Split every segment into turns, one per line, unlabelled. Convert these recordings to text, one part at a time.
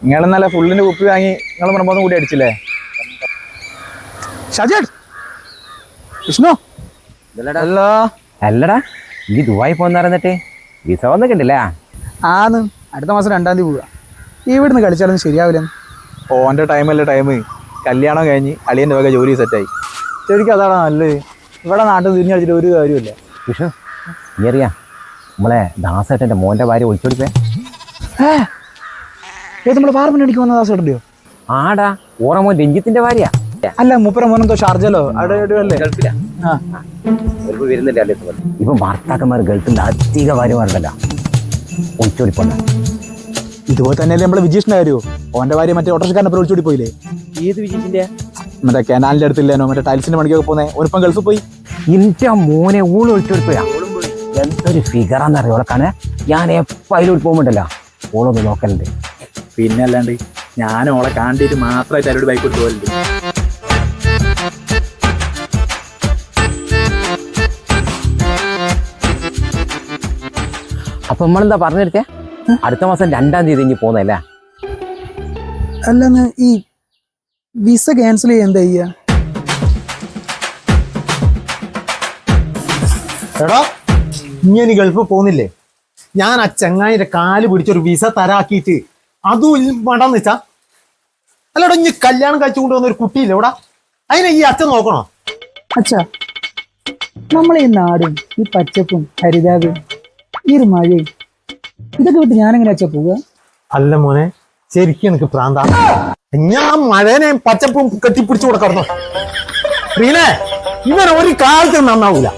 നിങ്ങൾ ഇന്നലെ ഫുള്ളിന്റെ കുപ്പി വാങ്ങി നിങ്ങൾ മണമൊന്നും കൂടി അടിച്ചില്ലേ?
ഷാജേട്ട് വിഷ്ണു
ഹലോ. അല്ലടാ ഈ ദുബായി പോന്നിട്ട് വിസ വന്നൊക്കെ ഉണ്ടല്ലേ?
ആന്ന് അടുത്ത മാസം 2-ാം തീയതി പോവുക. ഇവിടുന്ന് കളിച്ചാലൊന്നും ശരിയാവില്ല.
ഓൻ്റെ ടൈമല്ലേ ടൈം. കല്യാണം കഴിഞ്ഞ് അളിയൻ്റെ വക ജോലി സെറ്റായി. ശരിക്കും അതാണ് നല്ലത്. ഇവിടെ നാട്ടിൽ തിരിഞ്ഞു കളിച്ചിട്ട് ഒരു കാര്യമില്ല.
വിഷ്ണു നീ അറിയാ നമ്മളെ ദാസേട്ടൻ്റെ മോൻ്റെ ഭാര്യ ഒളിച്ചോടിപ്പേ?
ഏത് നമ്മളെ പാർപ്പിന് അടിക്ക് വന്ന ദാസേട്ടൻ്റെയോ?
ആടാ ഓറമോൻ രഞ്ജിത്തിന്റെ ഭാര്യ.
അല്ല മൂപ്പര മോനെന്തോ ഷാർജലോ അവിടെ അല്ലേ?
ഗൾഫിലാ വരുന്നില്ല. ഇപ്പൊ ഭർത്താക്കന്മാർ ഗൾഫിൽ അധിക ഭാര്യമാരുണ്ടല്ലോ ഒളിച്ചോടിപ്പോണ്ട.
ഇതുപോലെ തന്നെയല്ലേ നമ്മളെ വിജീഷിന്റെ കാര്യമോ? ഓന്റെ ഭാര്യ മറ്റേ ഓട്ടോറിക്ഷക്കാരനെ ഒളിച്ചോടി പോയില്ലേ?
ഏത് വിജയിച്ചിന്റെ?
മറ്റേ കനാലിന്റെ അടുത്തില്ലേനോ മറ്റേ ടൈൽസിന്റെ പണിക്കൊക്കെ പോന്നെ ഓനിപ്പം ഗൾഫിൽ പോയി.
ഇന്റെ മോനെ ഊള് ഒളിച്ചോടിപ്പോയാ. എന്തൊരു ഫിഗറാന്നറിയോ ഓളക്കാണ്. ഞാൻ എപ്പോൾ അതിലോട്ട് പോകുമ്പോണ്ടല്ലോ ഓളൊന്ന് നോക്കലുണ്ട്.
പിന്നെ അല്ലാണ്ട് ഞാൻ ഓളെ കാണ്ടിട്ട് മാത്രമായിട്ട് അവരോട് ബൈക്ക് കൊടുത്തു പോലുണ്ട്.
അപ്പൊ നമ്മളെന്താ പറഞ്ഞെടുത്തേ? അടുത്ത മാസം 2-ാം തീയതി ഇനി പോന്നല്ലേ?
അല്ലെന്ന് ഈ വിസ ക്യാൻസൽ ചെയ്യാൻ എന്താ ചെയ്യാ?
എടാ ഇനി ഗൾഫ് പോകുന്നില്ലേ? ഞാൻ ആ ചങ്ങായിന്റെ കാല് പിടിച്ചൊരു വിസ തരാക്കിയിട്ട് അതും വേണ്ടെന്ന് വെച്ചാ. അല്ലടാ ഇനി കല്യാണം കഴിച്ചു കൊണ്ടുവന്ന ഒരു കുട്ടിയില്ലേ ഇവിടെ? അതിനെ ഈ അച്ഛൻ നോക്കണോ?
അച്ഛാ നമ്മളെ ഈ നാടും ഈ പച്ചപ്പും ഹരിതാവും ഈ ഒരു മഴയും ഇതൊക്കെ വിട്ട് ഞാനെങ്ങനെ അച്ഛാ പോവുക?
അല്ല മോനെ ശരിക്കും എനിക്ക് പ്രാന്ത. ഞാൻ മഴേനെ പച്ചപ്പും കെട്ടിപ്പിടിച്ചു കൊടുക്കണോ? റീനെ ഇവൻ ഒരു കാലത്ത് നന്നാവൂല.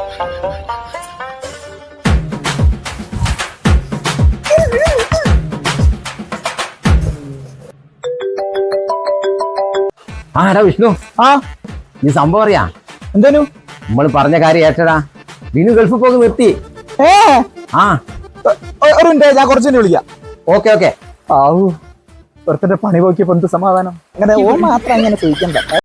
ആ എടാ വിഷ്ണു, ഈ സംഭവം അറിയാ?
എന്തേനു
നമ്മൾ പറഞ്ഞ കാര്യം ഏറ്റടാ. വിനു ഗൾഫിൽ പോക്ക് നിർത്തി. ആ
ഒരു മിനിറ്റ്, ഞാൻ കുറച്ചു വിളിക്കാം.
Okay okay.
ആവൂ ഒരുത്തന്റെ പണി പോക്കിയപ്പോ എന്ത് സമാധാനം. അങ്ങനെ ഓ മാത്രം അങ്ങനെ ചോദിക്കണ്ട.